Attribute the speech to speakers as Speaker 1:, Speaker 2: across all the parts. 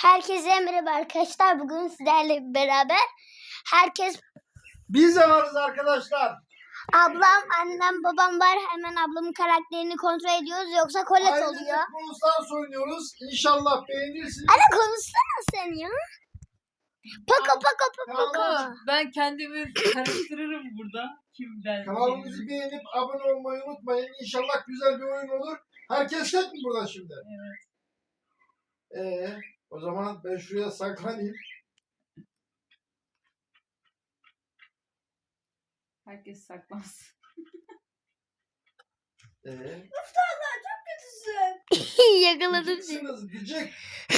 Speaker 1: Herkese merhaba arkadaşlar. Bugün sizlerle beraber
Speaker 2: Biz de varız arkadaşlar.
Speaker 1: ablam, annem, babam var. Hemen ablamın karakterini kontrol ediyoruz. Yoksa kolet oluyor.
Speaker 2: Ailecek Brawl Stars oynuyoruz. İnşallah beğenirsiniz.
Speaker 1: Anne konuşsana sen ya. Paka paka paka.
Speaker 2: Tamam.
Speaker 3: Ben kendimi karıştırırım burada. Kimden?
Speaker 2: Kanalımızı beğenip abone olmayı unutmayın. İnşallah güzel bir oyun olur. Herkes tek mi burada şimdi?
Speaker 3: Evet.
Speaker 2: O zaman ben şuraya saklanayım.
Speaker 3: Herkes saklansın.
Speaker 1: Yakaladım seni.
Speaker 2: Gıcıksınız gıcık.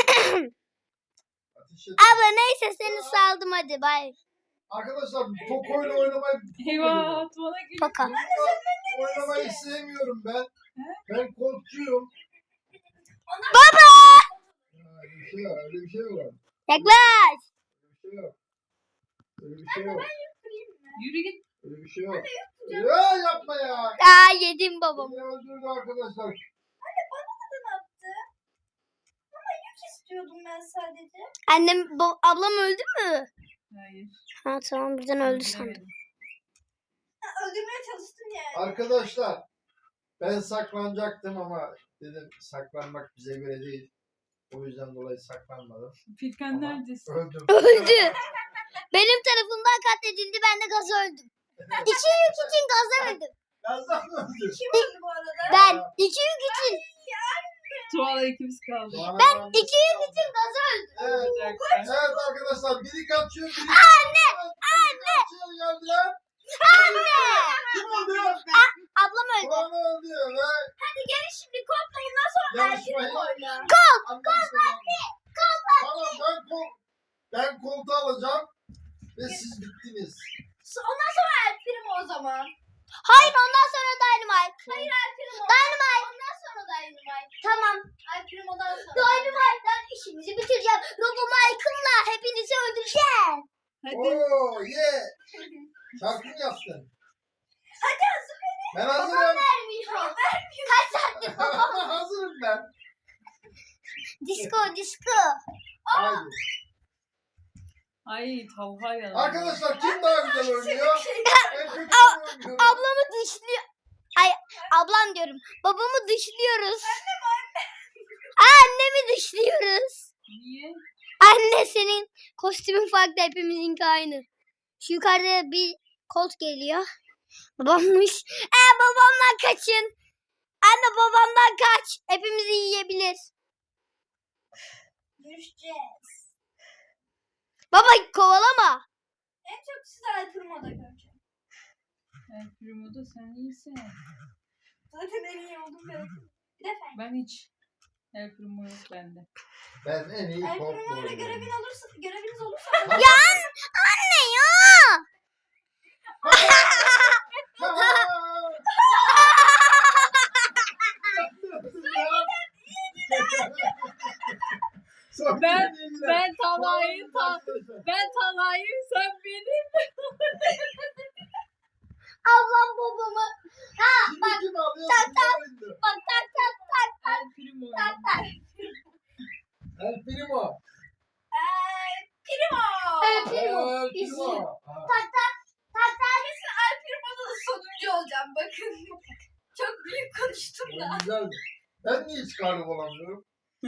Speaker 2: Ateş et.
Speaker 1: Abla neyse seni saldım hadi bay.
Speaker 2: Arkadaşlar Poco ile oynamayı
Speaker 3: Eyvah bana gülüyor.
Speaker 1: Paka.
Speaker 2: oynamayı sevmiyorum ben. Ben korkuyorum.
Speaker 1: Baba!
Speaker 2: Öyle bir şey yok.
Speaker 1: Yaklaş.
Speaker 2: Öyle bir şey yok.
Speaker 3: Yürü git.
Speaker 2: Öyle bir şey yok. Ya yapma ya.
Speaker 1: Aa yedim babam.
Speaker 2: Beni öldürdü arkadaşlar.
Speaker 4: İstiyordum ben sadece.
Speaker 1: Ablam öldü mü?
Speaker 3: Hayır.
Speaker 1: Ha tamam birden öldü sandım.
Speaker 3: Öldüremedim.
Speaker 4: Öldürmeye çalıştım yani.
Speaker 2: Arkadaşlar ben saklanacaktım ama dedim saklanmak bize göre değil. O yüzden dolayı saklanmadım.
Speaker 3: Furkan
Speaker 2: Ama
Speaker 3: neredesin?
Speaker 2: öldüm.
Speaker 1: Öldü. Benim tarafımdan katledildi. Ben de gaz öldüm. 2 yük için gaza öldüm.
Speaker 2: Yazdan mı öldüm?
Speaker 4: Kim öldü bu arada?
Speaker 1: Ben 2 yük için.
Speaker 3: Tuğala ikimiz kaldı.
Speaker 1: Ben 2 yük için gaza öldüm.
Speaker 2: Evet,
Speaker 3: Bir dakika.
Speaker 2: evet arkadaşlar biri kaçıyor biri
Speaker 1: Anne!
Speaker 2: kaçıyor geldiler.
Speaker 1: Anne!
Speaker 2: Kim öldü?
Speaker 1: Ablam öldü.
Speaker 2: Bana öldü ve
Speaker 4: Hadi gelin şimdi kodlayından sonra
Speaker 2: yarışmayı
Speaker 4: oyna.
Speaker 2: Tamam ben koltuğu alacağım ve siz bittiniz.
Speaker 4: Ondan sonra El Primo o zaman.
Speaker 1: Hayır ondan sonra Dynamite.
Speaker 4: Hayır El Primo.
Speaker 1: Dynamite.
Speaker 4: Ondan sonra Dynamite.
Speaker 1: Tamam.
Speaker 4: El Primo'dan sonra.
Speaker 1: Dynamite'dan işimizi bitireceğim. Robo Michael'la hepinizi öldüreceğim.
Speaker 3: Hadi.
Speaker 2: Oo ye. Şarkı mı yaptın?
Speaker 4: Hadi hazır beni.
Speaker 2: Ben hazırım.
Speaker 1: Vermiyor. Kaç saattir babam?
Speaker 2: Hazırım ben.
Speaker 1: Disco.
Speaker 2: Haydi.
Speaker 3: Ay tavha yalan.
Speaker 2: Arkadaşlar kim daha güzel oynuyor? En kötü ben oynuyorum.
Speaker 1: Ablamı dışlıyor. Ay ablam diyorum. Babamı dışlıyoruz. Annemi dışlıyoruz.
Speaker 3: Niye?
Speaker 1: Anne senin kostümün farklı, hepimizinki aynı. Şu yukarıda bir kolt geliyor. Babammış. Babamdan kaçın. Anne babamdan kaç. Hepimizi yiyebilir.
Speaker 4: Görüşeceğiz.
Speaker 1: Baba kovalama.
Speaker 4: En çok sizi El Primo'da göreceğim.
Speaker 3: El Primo'da sen iyisin.
Speaker 4: Zaten en iyi oldum ben. Bir de Fen.
Speaker 3: Ben hiç. El Primo yok bende.
Speaker 2: Ben en iyi
Speaker 4: El
Speaker 2: koltuğu
Speaker 4: Primo'yla
Speaker 2: oynuyorum.
Speaker 4: göreviniz olursa
Speaker 1: Ya anne ya.
Speaker 3: Ben Talha'yım sen benim.
Speaker 1: Ablam babamı.
Speaker 2: Bak.
Speaker 1: Bak tak.
Speaker 3: El Primo.
Speaker 2: El Primo.
Speaker 4: El Primo.
Speaker 1: El Primo.
Speaker 2: El
Speaker 1: Bizim.
Speaker 2: Primo.
Speaker 4: Kesin El Primo'da da sonuncu olacağım bakın. Çok büyük konuştum da.
Speaker 2: Güzeldi. Ben niye hiç galip olamıyorum?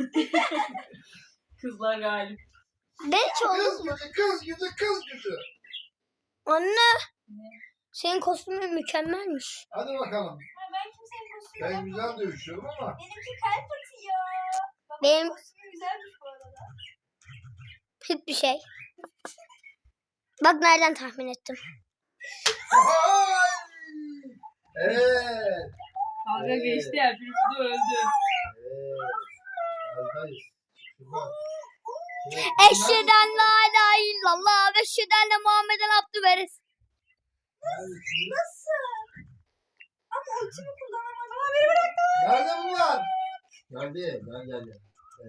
Speaker 3: Kızlar galip.
Speaker 1: Ben hiç
Speaker 2: Kız
Speaker 1: oldum mu?
Speaker 2: kız gücü.
Speaker 1: Anne.
Speaker 3: Ne?
Speaker 1: Senin kostümün mükemmelmiş.
Speaker 2: Hadi bakalım.
Speaker 4: Ha, ben kimsenin kostümü
Speaker 2: Ben
Speaker 4: yapmadım.
Speaker 2: güzel dövüşüyorum ama.
Speaker 4: Benimki kalp atıyor. Babamın
Speaker 1: Benim-
Speaker 4: kostümü güzelmiş bu arada.
Speaker 1: Hiçbir şey. Bak nereden tahmin ettim.
Speaker 2: Ay! Evet.
Speaker 3: Kavga
Speaker 2: Evet.
Speaker 3: geçti El Primo da öldü.
Speaker 2: Evet. Aradayız. Şuradan.
Speaker 1: Eşheden la ilahe illallah ve eşheden de Muhammeden abdü veres.
Speaker 2: Neredesiniz?
Speaker 4: Nasıl? Ama ultimi kullanamadım. Ama beni bıraktı.
Speaker 2: Nerede bunlar? Geldi.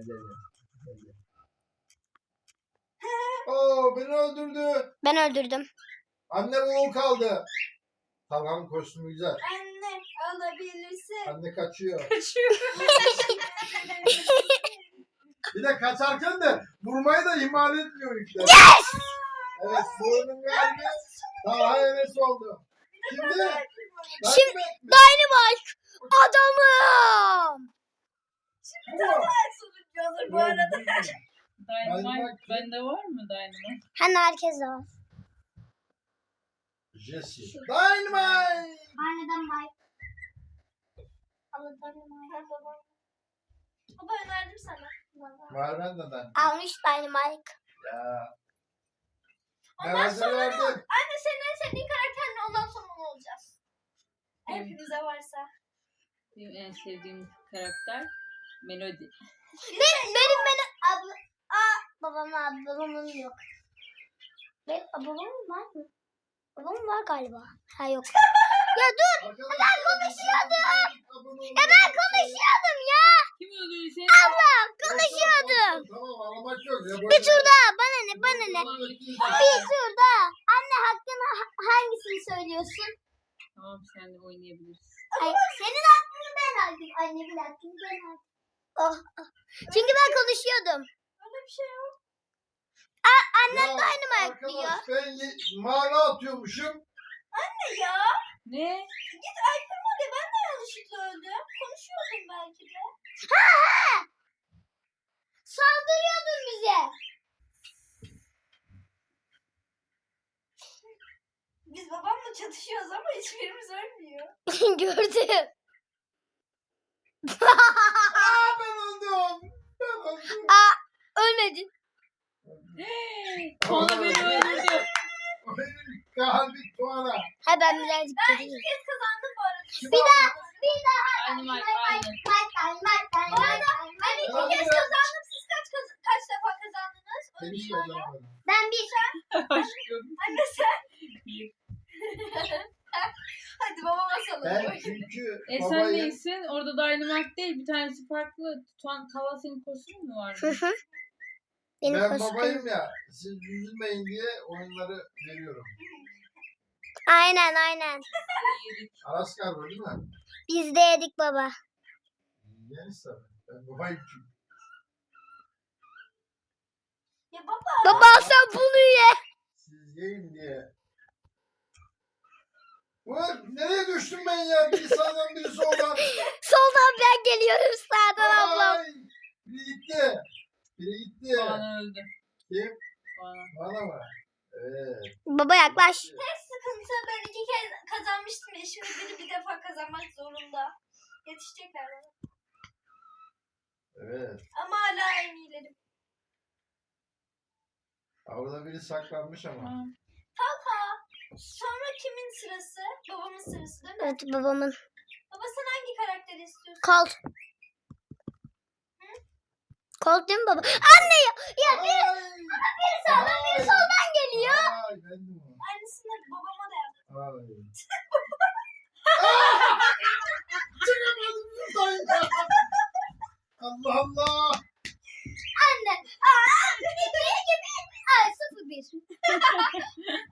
Speaker 2: Oo beni öldürdü.
Speaker 1: Ben öldürdüm.
Speaker 2: Anne oğul kaldı. Tamam kostümü güzel.
Speaker 4: Anne alabilirsin.
Speaker 2: Anne kaçıyor.
Speaker 3: Kaçıyor.
Speaker 2: Bir de kaçarken de vurmayı da ihmal etmiyor yükler.
Speaker 1: Yes!
Speaker 2: Evet, bu oyunun galibi daha heves oldu. Şimdi
Speaker 1: Şimdi Dynamite adamım.
Speaker 4: Sonuncu olur bu arada.
Speaker 3: Dynamite bende var mı Dynamite?
Speaker 1: Hani herkes de var.
Speaker 2: Jesse. Dynamite.
Speaker 1: Aniden Mike. Ama Dynamite.
Speaker 4: Baba önerdim sana.
Speaker 2: Var bende de.
Speaker 1: Almış Dynamite.
Speaker 2: Ya.
Speaker 4: Ondan sonra ne
Speaker 2: verdim.
Speaker 4: Anne senin en sevdiğin karakter ne? Ondan sonra ne olacağız? Hepimize varsa.
Speaker 3: Benim en sevdiğim karakter Melody.
Speaker 1: Benim abla... babamın yok. Babamın var mı? Babamın var galiba. Ha yok. Ya dur.
Speaker 2: Ben
Speaker 1: konuşuyordum. Ya ben konuşuyordum ya.
Speaker 3: Kim öldürdü seni?
Speaker 1: Ablam konuşuyordum.
Speaker 2: Tamam ağlamak yok. Ya,
Speaker 1: Bir tur daha. Bana ne? Bir tur daha. Anne hakkında hangisini söylüyorsun?
Speaker 3: Tamam sen de oynayabilirsin.
Speaker 1: Ay, senin hakkını ben aldım. Annemin hakkını ben aldım. Oh, oh. Çünkü ben konuşuyordum.
Speaker 4: Öyle bir şey yok.
Speaker 1: Annem de aynı mı diyor?
Speaker 2: Arkadaş ben mana atıyormuşum.
Speaker 4: Ne ya?
Speaker 3: Ne?
Speaker 4: Git Alper oraya. Ben de yanlışlıkla öldüm. Konuşuyordum belki de.
Speaker 1: Saldırıyordun bize.
Speaker 4: Biz babamla çatışıyoruz ama hiçbirimiz ölmüyor.
Speaker 1: Gördüm.
Speaker 2: Aa ben öldüm. Ben öldüm.
Speaker 1: Ölmedin.
Speaker 3: Tuana beni öldürdü.
Speaker 2: Oyunun kalbi Tuana.
Speaker 1: Ha ben birazcık
Speaker 4: Ben
Speaker 1: gideyim.
Speaker 4: iki kez kazandım bu arada.
Speaker 1: Bir daha.
Speaker 3: Dynamite aynı.
Speaker 4: Bu arada ben iki kez kazandım. Siz kaç defa kazandınız?
Speaker 2: Seni
Speaker 4: Onu
Speaker 2: hiç
Speaker 4: biliyorum.
Speaker 2: kazanamadım.
Speaker 1: Ben bir
Speaker 3: Aşkım.
Speaker 4: Anne sen.
Speaker 3: Bir.
Speaker 4: Hadi babama
Speaker 2: Ben
Speaker 4: salalım.
Speaker 2: çünkü
Speaker 3: Sen
Speaker 2: babayım.
Speaker 3: neysin? Orada Dynamite değil. Bir tanesi farklı. Tala senin kostümün mü var?
Speaker 1: Benim
Speaker 2: Ben
Speaker 1: kostüm.
Speaker 2: babayım ya. Siz üzülmeyin diye oyunları veriyorum.
Speaker 1: Aynen.
Speaker 3: Yedik.
Speaker 2: Araskar var değil mi?
Speaker 1: Biz de yedik baba.
Speaker 2: Yeniz tabii. Ben babayım çünkü.
Speaker 4: Ya baba.
Speaker 1: Baba sen bunu ye.
Speaker 2: Siz yiyin diye. Ulan nereye düştüm ben ya? Biri sağdan biri soldan.
Speaker 1: Soldan ben geliyorum sağdan ablam.
Speaker 2: Ay, biri gitti. Biri gitti.
Speaker 3: Tuana öldü.
Speaker 2: Kim?
Speaker 3: Tuana.
Speaker 2: Bana mı? Evet.
Speaker 1: Baba yaklaş.
Speaker 4: Tek sıkıntı ben iki kez kazanmıştım ya. Şimdi biri bir defa kazanmak zorunda. Yetişecekler bana.
Speaker 2: Evet.
Speaker 4: Ama hala en iyilerim.
Speaker 2: Orada biri saklanmış ama.
Speaker 3: Tamam.
Speaker 4: Talha. Sonra kimin sırası? Babamın sırası değil mi?
Speaker 1: Evet babamın.
Speaker 4: Baba sen hangi karakteri istiyorsun?
Speaker 1: Colt. Colt değil mi baba? Anne ya biri sağdan biri soldan geliyor.
Speaker 2: Ay ben de mi?
Speaker 4: Aynısını babama da yap.
Speaker 2: Ay. Çıkamadım buradan ya. Allah Allah.
Speaker 1: Anne. Bir gibi. Ay 0-1.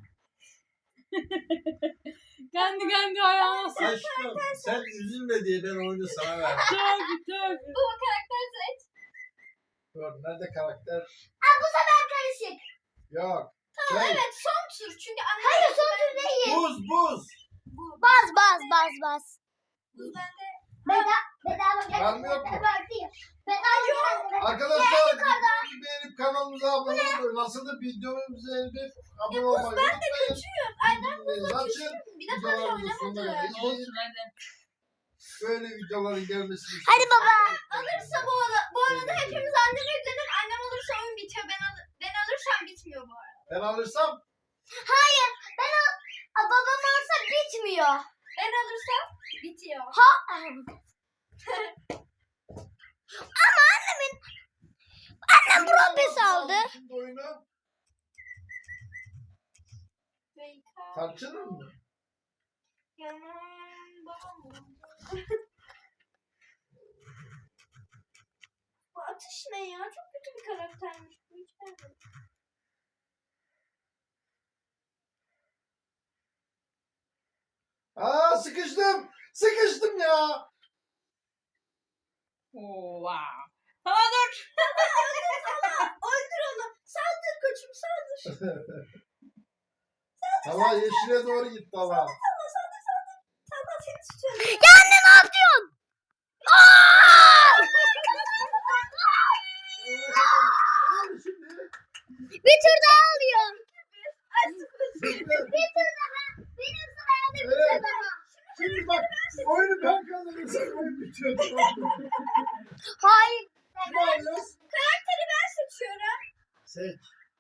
Speaker 3: Kendi ayağına sık.
Speaker 2: Aşkım sen üzülme diye ben oyunu sana verdim.
Speaker 3: Tabii.
Speaker 4: Baba karakter seç.
Speaker 2: Dur nerede karakter?
Speaker 1: Bu sefer karışık.
Speaker 2: Yok.
Speaker 4: Tamam
Speaker 2: Şey,
Speaker 4: evet son tur. Çünkü anne
Speaker 1: Hayır son tur değil.
Speaker 2: buz.
Speaker 4: bu.
Speaker 1: Baz.
Speaker 4: Buz bende.
Speaker 1: Bedava
Speaker 2: Var mı yok mu?
Speaker 1: Bedava.
Speaker 2: Arkadaşlar videomuzu beğenip kanalımıza abone olun. Nasıl da videomuzu beğenip abone olmayı
Speaker 4: Ben de
Speaker 2: unutmayın.
Speaker 4: küçüğüm. Aynen buzla
Speaker 2: Açın.
Speaker 4: küçüğüm. Bir defa bile
Speaker 2: Videolarımızın sonuna
Speaker 4: oynamadım.
Speaker 2: kadar izleyin.
Speaker 3: Olsun hadi.
Speaker 2: Böyle videoların gelmesini
Speaker 1: Hadi baba.
Speaker 4: Alırsa bu arada hepimiz annem evlenir. Annem olursa oyun bitiyor. Ben alırsam bitmiyor bu arada.
Speaker 2: Ben alırsam
Speaker 1: Hayır. Babam olsa bitmiyor.
Speaker 4: Ben alırsam bitiyor.
Speaker 1: Annem propes aldı.
Speaker 2: Şimdi oyunu
Speaker 4: Veyka.
Speaker 2: tartışılır mı?
Speaker 4: Yanım babam oldu. Bu atış ne ya? Çok kötü bir karaktermiş. Bu hiç beğenmedim.
Speaker 2: Aa sıkıştım. Sıkıştım ya.
Speaker 3: Oo, wow. Tamam dur.
Speaker 4: Öldür onu. Saldır koçum saldır.
Speaker 2: Hava yeşile doğru gitti hava.
Speaker 4: Saldır seni tutuyorum.
Speaker 1: Ya anne ne yapıyorsun? Aa! Bir tur daha alıyor. Bir tur daha. Benim sıraya da bir tur
Speaker 2: Evet.
Speaker 1: daha.
Speaker 2: Şimdi bak oyunu ben kazanırsam oyun bitiyor.
Speaker 1: Hayır.
Speaker 2: Ne alıyoruz?
Speaker 4: Karakteri ben seçiyorum.
Speaker 2: Seç.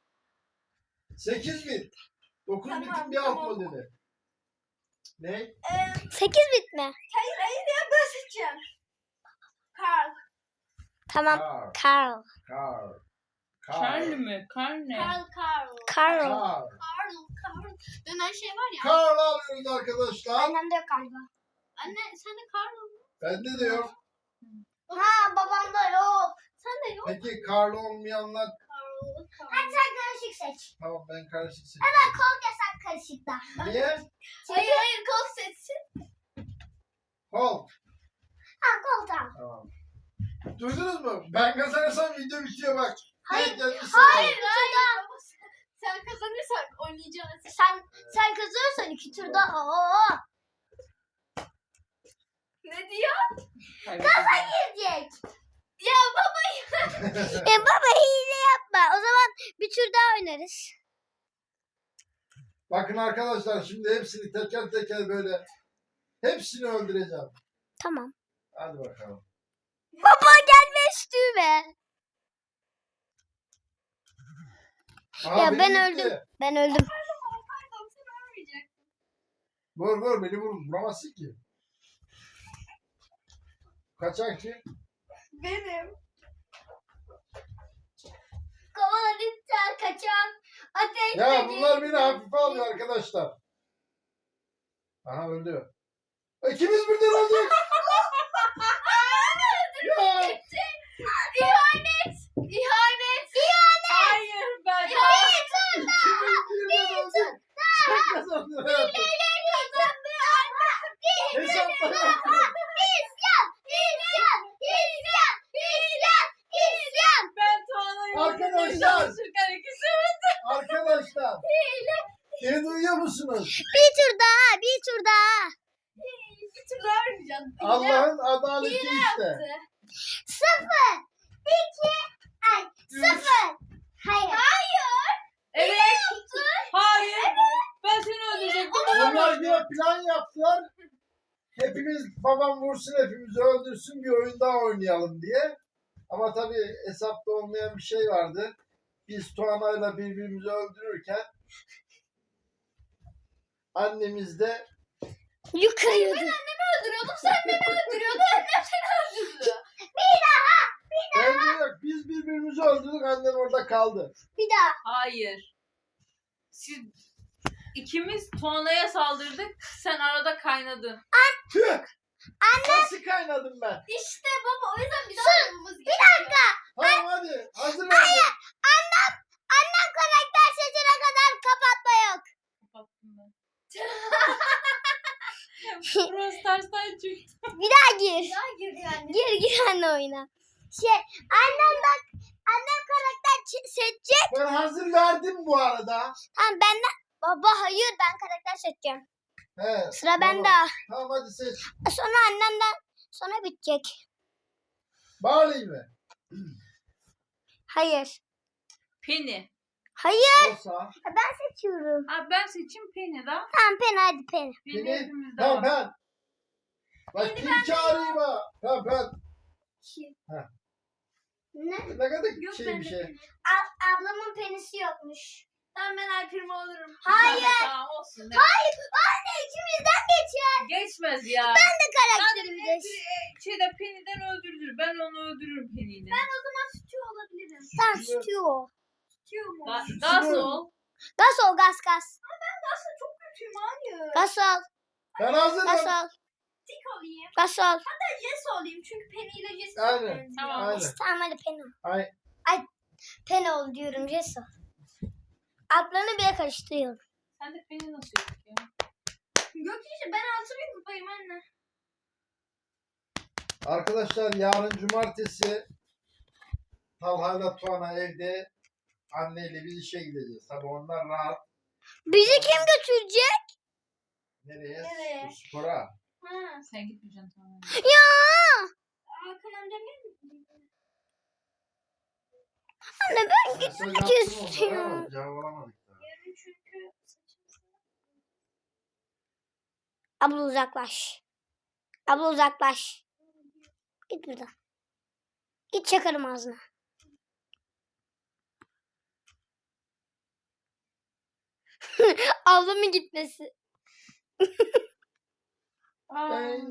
Speaker 2: 8 bit. 9
Speaker 4: Tamam,
Speaker 2: bitin bir alt
Speaker 4: tamam.
Speaker 2: modeli. Ne?
Speaker 1: 8 bit mi?
Speaker 4: Hayır ya ben seçeceğim. Karl.
Speaker 1: Tamam.
Speaker 2: Car.
Speaker 1: Carl.
Speaker 2: Car.
Speaker 3: Karne mi? Karne.
Speaker 1: Carl.
Speaker 2: Car.
Speaker 4: Karl. Dönen şey var ya.
Speaker 2: Carl alıyoruz arkadaşlar.
Speaker 1: Annemde yok galiba.
Speaker 4: Anne sen de Karl mı?
Speaker 2: Bende de yok.
Speaker 1: Ha babamda yok.
Speaker 4: Sen de yok.
Speaker 2: Peki Carl olmayanlar
Speaker 1: Hadi sen karışık seç.
Speaker 2: tamam ben karışık seçtim.
Speaker 1: Evet kol yasak karışıkta.
Speaker 2: Niye?
Speaker 4: Hayır kol seçsin.
Speaker 2: Hulk.
Speaker 1: Ha kol tamam.
Speaker 2: Tamam. Duydunuz mu? Ben kazanırsam video bitiyor bak.
Speaker 1: Hayır,
Speaker 2: Tek gelmiş
Speaker 4: Hayır
Speaker 2: sana.
Speaker 4: hayır. Baba, sen kazanırsan oynayacağız.
Speaker 1: Sen kazanırsan 2 turda. Oo.
Speaker 4: Ne diyor?
Speaker 1: Girecek.
Speaker 4: Ya baba
Speaker 1: Baba hile yapma. O zaman bir tur daha oynarız.
Speaker 2: Bakın arkadaşlar şimdi hepsini teker teker böyle hepsini öldüreceğim.
Speaker 1: Tamam.
Speaker 2: Hadi bakalım.
Speaker 1: Baba gelme üstüme.
Speaker 2: Aha,
Speaker 1: Ya
Speaker 2: beni
Speaker 1: ben
Speaker 2: gitti.
Speaker 1: öldüm. Ben öldüm.
Speaker 4: pardon sen ölmeyecek.
Speaker 2: Vur beni vuramazsın ki. Kaçan kim?
Speaker 4: Benim.
Speaker 1: Kovaladıkça kaçan ateş
Speaker 2: Ya bunlar beni hafife alıyor arkadaşlar. Aha öldü. İkimiz birden öldük. Ya.
Speaker 4: İhanet. İhanet.
Speaker 3: Hayır ben.
Speaker 2: İkimiz birden öldük. Sen kazandın hayatım. Hesaplara
Speaker 3: Ben Tuana'yı
Speaker 2: Arkadaşlar.
Speaker 3: öldürmeye çalışırken ikisi
Speaker 2: arkadaşlar. Beni duyuyor musunuz?
Speaker 1: Bir tur daha.
Speaker 4: Bir türlü ölmeyeceğim.
Speaker 2: Allah'ın adaleti
Speaker 4: Hile
Speaker 2: işte.
Speaker 4: yaptı.
Speaker 1: 0 2 0. Hayır.
Speaker 3: Evet. Hayır. Ben seni öldürecektim.
Speaker 2: Onlar bir plan yaptılar. Hepimiz babam vursun hepimizi öldürsün bir oyun daha oynayalım diye. Ama tabii hesapta olmayan bir şey vardı. Biz Tuana'yla birbirimizi öldürürken annemiz de
Speaker 1: Yukarıydı.
Speaker 4: Öldürüyordum sen beni öldürüyordun. Annem seni öldürdü.
Speaker 2: bence yok. Biz birbirimizi öldürdük annem orada kaldı.
Speaker 1: Bir daha.
Speaker 3: Hayır. Siz ikimiz Tuana'ya saldırdık. Sen arada kaynadın.
Speaker 2: Tüh! Nasıl kaynadım ben?
Speaker 4: İşte baba o yüzden bir daha yapmamız gerekiyor.
Speaker 2: Tamam hadi hazır verdim.
Speaker 1: Annem karakter seçene kadar kapatma yok.
Speaker 3: Kapattım ben. Burası tersten çıktı.
Speaker 1: Bir daha gir.
Speaker 4: Daha gir yani.
Speaker 1: Gir anne oyuna. Annem karakter seçecek.
Speaker 2: Ben hazır verdim bu arada.
Speaker 1: Tamam benden. Baba hayır ben karakter seçeceğim.
Speaker 2: He,
Speaker 1: Sıra
Speaker 2: tamam.
Speaker 1: bende.
Speaker 2: Tamam hadi seç.
Speaker 1: Sonra annemden sonra bitecek.
Speaker 2: Barley mi?
Speaker 3: Hayır. Penny.
Speaker 1: Hayır
Speaker 2: Olsa.
Speaker 1: ben seçiyorum.
Speaker 3: Ha, ben seçeyim Penny daha.
Speaker 1: Tamam pen hadi pen.
Speaker 3: Penny
Speaker 2: Penny.
Speaker 3: hepimizde
Speaker 2: Tamam
Speaker 3: var.
Speaker 2: ben. Bak kim çağırayım ha? Tamam ben.
Speaker 1: Ne?
Speaker 2: Ne kadar
Speaker 4: Yok
Speaker 2: şey
Speaker 4: bende
Speaker 2: bir şey.
Speaker 4: Penny.
Speaker 1: Ablamın penisi yokmuş.
Speaker 4: Tamam ben Alper'imi alırım.
Speaker 1: Hayır.
Speaker 3: Tamam olsun. Ne?
Speaker 1: Hayır anne ikimizden geçer.
Speaker 3: Geçmez ya.
Speaker 1: Ben de karakterimde.
Speaker 3: Şeyde Penny'den öldürülür. Ben onu öldürürüm Penny'den.
Speaker 4: Sütü olabilirim.
Speaker 1: Tamam tutuyor.
Speaker 4: Sütüyor mu?
Speaker 3: Gaz ol.
Speaker 1: Gaz ol gaz.
Speaker 4: Aslında çok kötüyüm hayır.
Speaker 1: Gaz ol.
Speaker 2: Ben hazırım.
Speaker 4: Tik olayım.
Speaker 1: Gaz ol.
Speaker 4: Jess olayım çünkü Penny ile Jess
Speaker 2: Aynen.
Speaker 4: çok benziyor.
Speaker 3: Tamam.
Speaker 2: Aynen.
Speaker 1: Tamam hadi pen ol.
Speaker 2: Ay,
Speaker 1: Pen ol diyorum Jess ol. Adlarını bile karıştırıyorum.
Speaker 3: Sen de Penny nasıl yok ya?
Speaker 4: Yok işte ben 6000 kupayım anne.
Speaker 2: arkadaşlar yarın cumartesi Talha'yla Tuana evde, anneyle biz işe gideceğiz. Tabii onlar rahat.
Speaker 1: Bizi kim götürecek?
Speaker 2: Nereye?
Speaker 4: Nereye?
Speaker 2: Spora.
Speaker 4: Ha.
Speaker 3: Sen gitmeyeceksin tamam.
Speaker 1: Ya
Speaker 4: Hakan amcam gelmedi mi?
Speaker 1: anne ben
Speaker 2: Mesaj
Speaker 1: gitmek
Speaker 2: attım onlara
Speaker 1: istiyorum.
Speaker 2: ama cevap alamadık daha.
Speaker 4: Yarın çünkü
Speaker 1: Abla uzaklaş. Abla uzaklaş. Git buradan. Git çakarım ağzına. Ablamın gitmesi.
Speaker 2: Ben...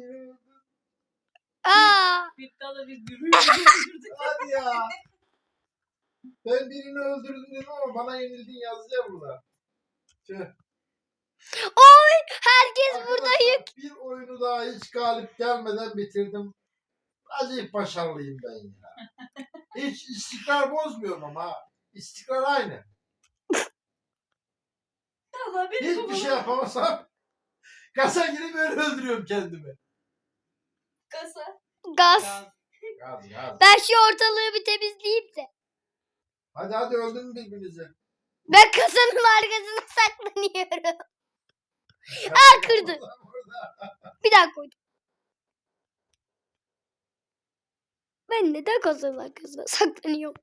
Speaker 1: Aa,
Speaker 3: Bir dala bir gürültü.
Speaker 2: Hadi ya. Ben birini öldürdüm dedim ama bana yenildin yazıyor burada. Tüh.
Speaker 1: oy herkes burada
Speaker 2: Arkadaşlar,
Speaker 1: yük.
Speaker 2: bir oyunu daha hiç galip gelmeden bitirdim. Acayip başarılıyım ben ya. Hiç istikrar bozmuyorum ama ha. İstikrar aynı.
Speaker 4: Allah beni
Speaker 2: Hiçbir şey yapamasam kasa girip öyle öldürüyorum kendimi.
Speaker 4: kasa.
Speaker 1: Gaz.
Speaker 2: Gaz.
Speaker 1: Ben şu ortalığı bir temizleyeyim de.
Speaker 2: Hadi öldürün birbirinizi.
Speaker 1: Ben kasanın arkasına saklanıyorum. kırdı. Bir daha koydum. Ben neden kasanın arkasına saklanıyorum?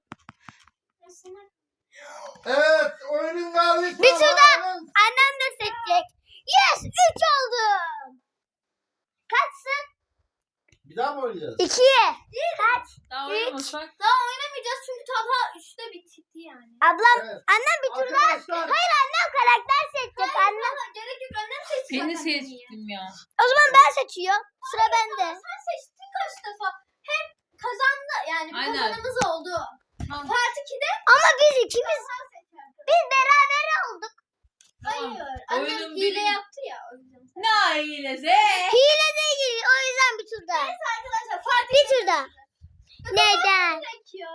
Speaker 2: Evet, oyunun galibi.
Speaker 1: Bir tur daha. Annem de seçecek. Yes 3 oldum. Kaçsın?
Speaker 2: Bir daha mı oynayacağız?
Speaker 1: 2'ye. Kaç?
Speaker 3: Daha oynamasak.
Speaker 4: Daha oynamayacağız çünkü Talha 3'te bitti yani.
Speaker 1: Ablam
Speaker 2: Evet.
Speaker 1: annem bir tur daha.
Speaker 2: Arkadaşlar,
Speaker 1: Hayır annem karakter seçecek annem.
Speaker 4: Talha gerek yok annem seçti.
Speaker 3: Seni
Speaker 4: zaten
Speaker 3: seçtim ya.
Speaker 1: O zaman ben seçiyorum. Sıra bende.
Speaker 4: Sen seçtin kaç defa. Hem kazandı yani bir
Speaker 3: Aynen.
Speaker 4: kazanımız oldu.
Speaker 3: Tamam.
Speaker 4: Part 2'de
Speaker 1: Ama biz ikimiz
Speaker 4: sen seçerdin.
Speaker 1: biz beraber olduk.
Speaker 3: Tamam.
Speaker 4: Hayır. Annem
Speaker 3: Oyunun
Speaker 4: hile
Speaker 3: birinci-
Speaker 4: yaptı ya. O yüzden sen.
Speaker 3: Ne hilesi?
Speaker 1: Hile değil. O yüzden bir tur daha.
Speaker 4: Neyse arkadaşlar part
Speaker 1: Bir tur daha. Neden?
Speaker 4: gerekiyor.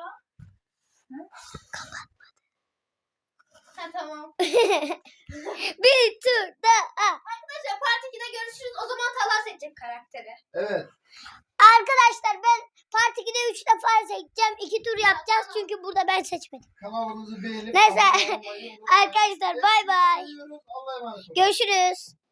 Speaker 4: Ha tamam.
Speaker 1: Bir tur daha.
Speaker 4: Arkadaşlar part 2'de görüşürüz. O zaman Talha seçecek karakteri.
Speaker 2: evet.
Speaker 1: Arkadaşlar ben Part 2'de 3 defa seçeceğim. 2 tur yapacağız çünkü burada ben seçmedim.
Speaker 2: Kanalımızı beğenip
Speaker 1: Neyse.
Speaker 2: abone olmayı unutmayın.
Speaker 1: Arkadaşlar bay bay.
Speaker 2: Seviyoruz. Allah'a emanet olun.
Speaker 1: Görüşürüz.